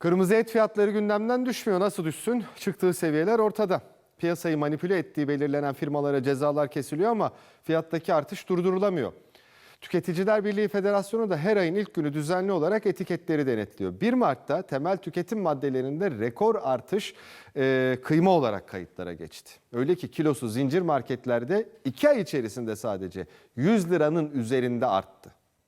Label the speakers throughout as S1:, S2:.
S1: Kırmızı et fiyatları gündemden düşmüyor. Nasıl düşsün? Çıktığı seviyeler ortada. Piyasayı manipüle ettiği belirlenen firmalara cezalar kesiliyor ama fiyattaki artış durdurulamıyor. Tüketiciler Birliği Federasyonu da her ayın ilk günü düzenli olarak etiketleri denetliyor. 1 Mart'ta temel tüketim maddelerinde rekor artış kıyma olarak kayıtlara geçti. Öyle ki kilosu zincir marketlerde 2 ay içerisinde sadece 100 liranın üzerinde arttı.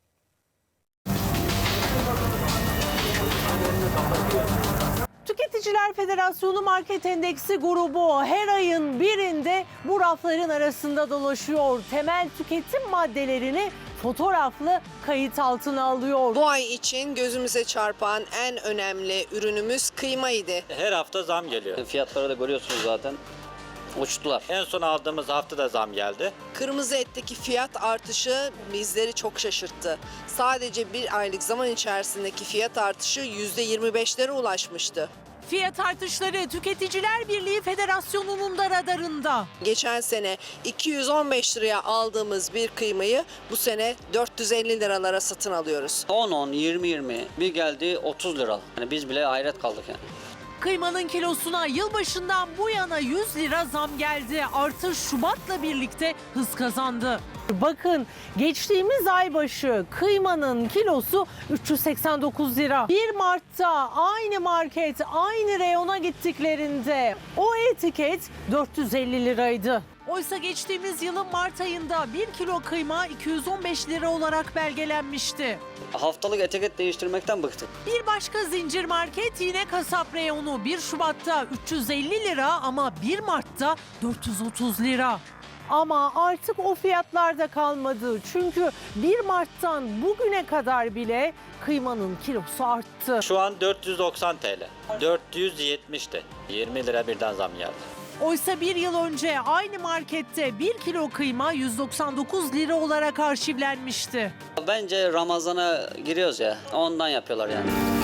S2: Tüketiciler Federasyonu Market Endeksi grubu her ayın birinde bu rafların arasında dolaşıyor. Temel tüketim maddelerini fotoğraflı kayıt altına alıyor.
S3: Bu ay için gözümüze çarpan en önemli ürünümüz kıymaydı.
S4: Her hafta zam geliyor.
S5: Fiyatları da görüyorsunuz zaten. Uçtular.
S4: En son aldığımız hafta da zam geldi.
S3: Kırmızı etteki fiyat artışı bizleri çok şaşırttı. Sadece bir aylık zaman içerisindeki fiyat artışı %25'lere ulaşmıştı.
S2: Fiyat artışları Tüketiciler Birliği Federasyonu'nun da radarında.
S3: Geçen sene 215 liraya aldığımız bir kıymayı bu sene 450 liralara satın alıyoruz.
S5: 10, 20 bir geldi 30 lira. Yani biz bile hayret kaldık yani.
S2: Kıymanın kilosuna yılbaşından bu yana 100 lira zam geldi. Artış Şubat'la birlikte hız kazandı. Bakın geçtiğimiz ay başı kıymanın kilosu 389 lira. 1 Mart'ta aynı market, aynı reyona gittiklerinde o etiket 450 liraydı. Oysa geçtiğimiz yılın Mart ayında 1 kilo kıyma 215 lira olarak belgelenmişti.
S5: Haftalık etiket değiştirmekten bıktık.
S2: Bir başka zincir market yine kasap reyonu 1 Şubat'ta 350 lira ama 1 Mart'ta 430 lira. Ama artık o fiyatlarda kalmadı. Çünkü 1 Mart'tan bugüne kadar bile kıymanın kilosu arttı.
S4: Şu an 490 TL. 470'ti. 20 lira birden zam geldi.
S2: Oysa bir yıl önce aynı markette 1 kilo kıyma 199 lira olarak arşivlenmişti.
S5: Bence Ramazan'a giriyoruz ya. Ondan yapıyorlar yani.